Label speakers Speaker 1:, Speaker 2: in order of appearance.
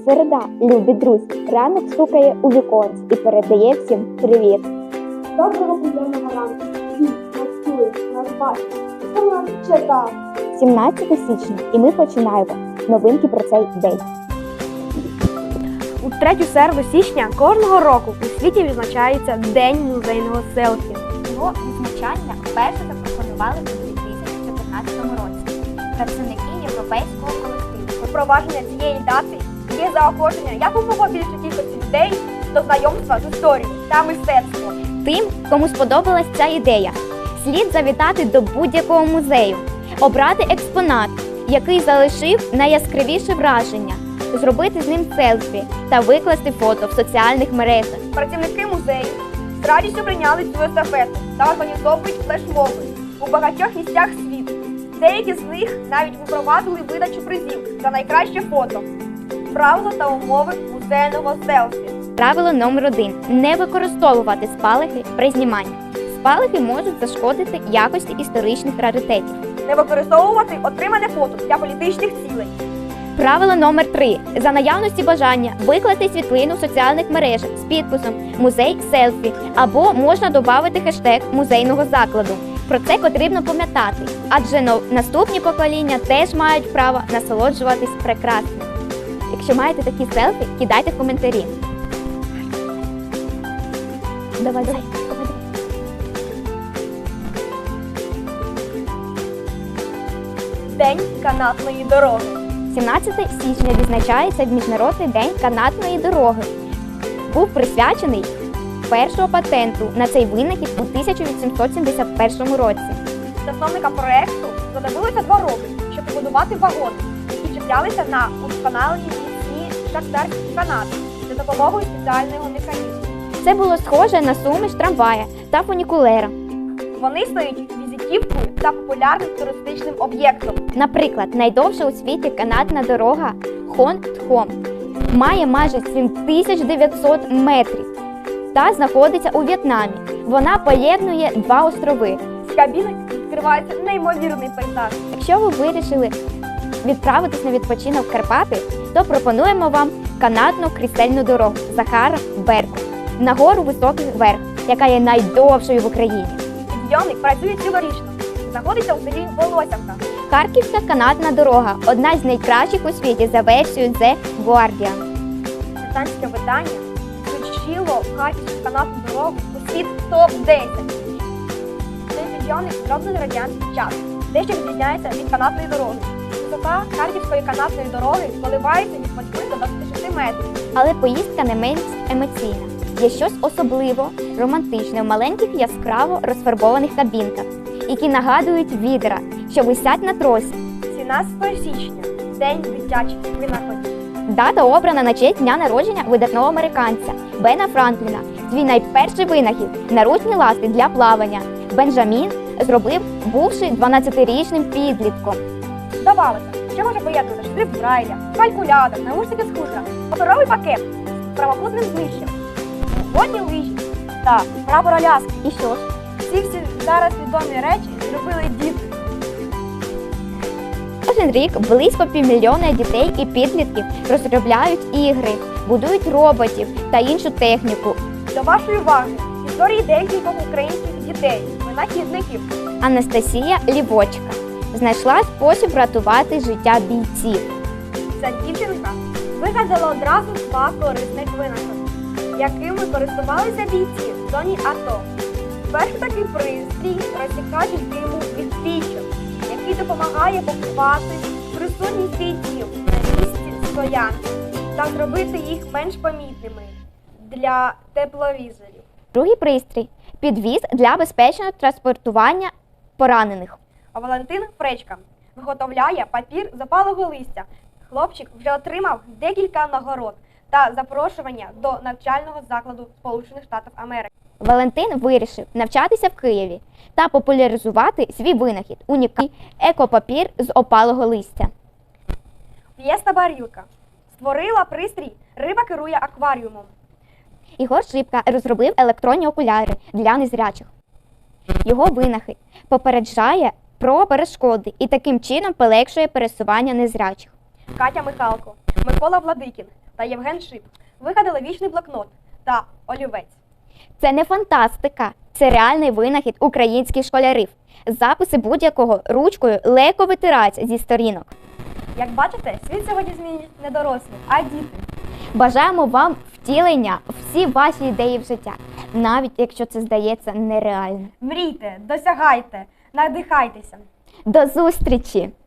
Speaker 1: Середа, любі друзі, ранок стукає у віконці і передає всім привіт.
Speaker 2: Доброго приємного ранку. Всі нас чує, нас бачить. Хто нас чекав?
Speaker 1: 17 січня і ми починаємо новинки про цей день.
Speaker 3: У третю середу січня кожного року у світі відзначається День музейного селфі.
Speaker 4: Його відзначання вперше запропонували у 2014 році працівники європейського колективу.
Speaker 3: Впровадження цієї дати є заохочення якомога більше кількості людей до знайомства з історією та мистецтвом.
Speaker 4: Тим, кому сподобалась ця ідея, слід завітати до будь-якого музею, обрати експонат, який залишив найяскравіше враження, зробити з ним селфі та викласти фото в соціальних мережах.
Speaker 3: Працівники музею з радістю прийняли цю естафету та організовують флешмоби у багатьох місцях світу. Деякі з них навіть випровадили видачу призів за найкраще фото. Правила та умови музейного селфі.
Speaker 4: Правило номер 1. Не використовувати спалахи при зніманні. Спалахи можуть зашкодити якості історичних раритетів.
Speaker 3: Не використовувати отримане фото для політичних цілей.
Speaker 4: Правило номер 3. За наявності бажання викласти світлину в соціальних мережах з підписом «Музей селфі» або можна додати хештег музейного закладу. Про це потрібно пам'ятати, адже наступні покоління теж мають право насолоджуватись прекрасним. Якщо маєте такі селфі, кидайте в коментарі. Давай.
Speaker 3: День канатної дороги.
Speaker 4: 17 січня відзначається Міжнародний день канатної дороги. Був присвячений першого патенту на цей винахід у 1871 році.
Speaker 3: Засновникам проєкту знадобилося 2 роки, щоб побудувати вагони, які чіплялися на удосконалені міцні шахтарські канати за допомогою спеціального механізму.
Speaker 4: Це було схоже на суміш трамвая та фунікулера.
Speaker 3: Вони стають візитівкою та популярним туристичним об'єктом.
Speaker 4: Наприклад, найдовша у світі канатна дорога Хон-Тхом має майже 7900 метрів та знаходиться у В'єтнамі. Вона поєднує 2 острови.
Speaker 3: З кабіни відкривається неймовірний пейзаж.
Speaker 4: Якщо ви вирішили відправитись на відпочинок в Карпати, то пропонуємо вам канатну крістельну дорогу Захара-Берку на гору Високий Верх, яка є найдовшою в Україні.
Speaker 3: Підйомник працює цілорічно. Знаходиться у селі Волосівка.
Speaker 4: Харківська канатна дорога – одна з найкращих у світі за версією The Guardian.
Speaker 3: Британське видання включило Харківську канатну дорогу у світ топ-10. Цей підйомник зроблений в радянський час, дещо відрізняється від канатної дороги. Висота Харківської канатної дороги коливається від 8 до 26 метрів.
Speaker 4: Але поїздка не менш емоційна. Є щось особливо романтичне в маленьких яскраво розфарбованих кабінках, які нагадують відра, що висять на тросі.
Speaker 3: 17 січня – День дитячих винаходів.
Speaker 4: Дата обрана на честь дня народження видатного американця Бена Франкліна. Свій найперший винахід – наручні ласти для плавання Бенджамін зробив, бувши 12-річним підлітком.
Speaker 3: Здавалося, що може поєднувати шрифт Брайля, калькулятор, наушники з хутра, паперовий пакет з прямокутним знищем, водні лижі та прапор Аляски.
Speaker 4: І що ж?
Speaker 3: Ці всі зараз відомі речі зробили діти.
Speaker 4: Кожен рік близько 500 000 дітей і підлітків розробляють ігри, будують роботів та іншу техніку.
Speaker 3: До вашої уваги історії декількох українських дітей, винахідників.
Speaker 4: Анастасія Лівочка знайшла спосіб врятувати життя бійців.
Speaker 3: Ця дівчинка вигадала одразу 2 корисних винаходи, якими користувалися бійці в зоні АТО. Перший такий пристрій розсікач диму від пічок, який допомагає поховати присутність бійців на місці стоянки та зробити їх менш помітними для тепловізорів.
Speaker 4: Другий пристрій – підвіз для безпечного транспортування поранених.
Speaker 3: А Валентин Фречка виготовляє папір з опалого листя. Хлопчик вже отримав декілька нагород та запрошування до навчального закладу Сполучених Штатів Америки.
Speaker 4: Валентин вирішив навчатися в Києві та популяризувати свій винахід – унікальний екопапір з опалого листя.
Speaker 3: Фієста Барілка створила пристрій «Риба керує акваріумом».
Speaker 4: Ігор Шипка розробив електронні окуляри для незрячих. Його винахід попереджає про перешкоди і таким чином полегшує пересування незрячих.
Speaker 3: Катя Михалко, Микола Владикін та Євген Шип вигадали вічний блокнот та олівець.
Speaker 4: Це не фантастика, це реальний винахід українських школярів. Записи будь-якого ручкою легко витираються зі сторінок.
Speaker 3: Як бачите, світ сьогодні змінюють не дорослі, а діти.
Speaker 4: Бажаємо вам втілення всі ваші ідеї в життя, навіть якщо це здається нереальним.
Speaker 3: Мрійте, досягайте, надихайтеся.
Speaker 4: До зустрічі!